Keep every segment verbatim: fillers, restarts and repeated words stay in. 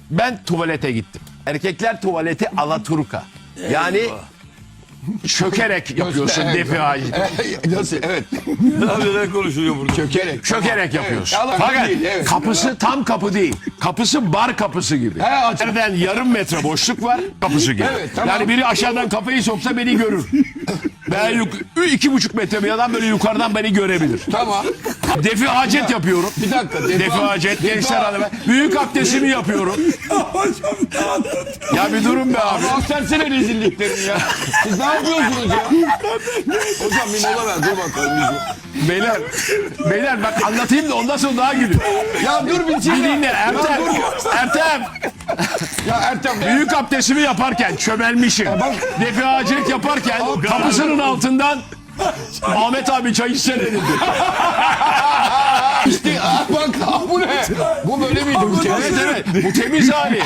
Ben tuvalete gittim. Erkekler tuvaleti alaturka. Yani çökerek yapıyorsun defi hacı. Nasıl? Evet. Neler konuşuluyor burada? Çökerek. Çökerek yapıyorsun. Evet. Fakat Değil, evet. kapısı tam kapı değil. Kapısı bar kapısı gibi. He, açık. Nereden yarım metre boşluk var kapısı gibi. Evet, tamam. Yani biri aşağıdan kafayı soksa beni görür. Ben yuk- iki buçuk metre bir adam böyle yukarıdan beni görebilir. Tamam. Defi hacet yapıyorum. Bir dakika. Defi hacet gençler hanım. Büyük abdestimi yapıyorum. Ya bir durun be abi. Abi aksarsene rezilliklerini ya. Siz ne yapıyorsunuz ya? Hocam bir mola ver. Dur bakalım. bir- Beyler, beyler bak anlatayım da ondan sonra daha gülüyor. Ya dur bir şey Bir ya. dinle Ertem. Ertem. Ya Ertem. Büyük abdestimi yaparken çömelmişim. Defi hacet yaparken kapısının altından Ahmet abi çay içsene dedi. İşte ah, bak ah, bu ne? Bu böyle miydi? Bu temiz. Evet evet bu temiz hali.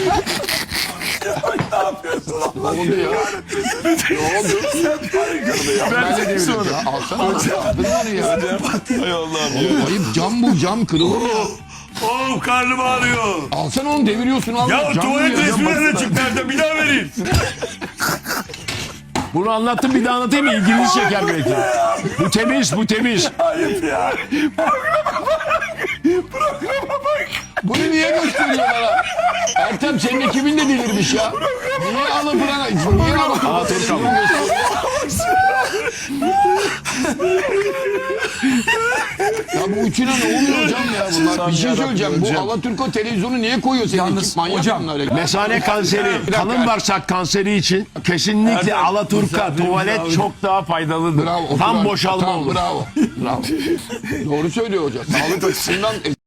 Ne oldu ya? Ne oldu? Ben de devirdim ya. Alsana. Aldın onu ya. Hay Allah'ım ya. Ayıp cam bu cam kırılır ya. Oh karnım ağrıyor. Alsana onu deviriyorsun al. Ya Cam tuvalet bu ya. resmi nerede çıktı Erdem? Bir daha vereyim. Bunu anlattım bir daha anlatayım mı? İlginizi çeker belki. Bu temiz bu temiz. Ayıp ya. Bunu niye gösteriyor bana? Ertem senin ekibin de delirmiş ya. Niye alıp bana? Niye alıp bana? Ya bu üçüne ne oluyor hocam ya bunlar? Bir şey söyleyeceğim. Bu Alaturka televizyonu niye koyuyor senin Yalnız ekip? Manyak hocam, bunlar ya. Mesane kanseri, kalın bağırsak kanseri için kesinlikle Erdem, alaturka misafirimiz tuvalet abi. çok daha faydalıdır. Bravo, Tam otur abi. boşalma Tamam, olur. Bravo. Bravo. Doğru söylüyor hocam. Sağlık açısından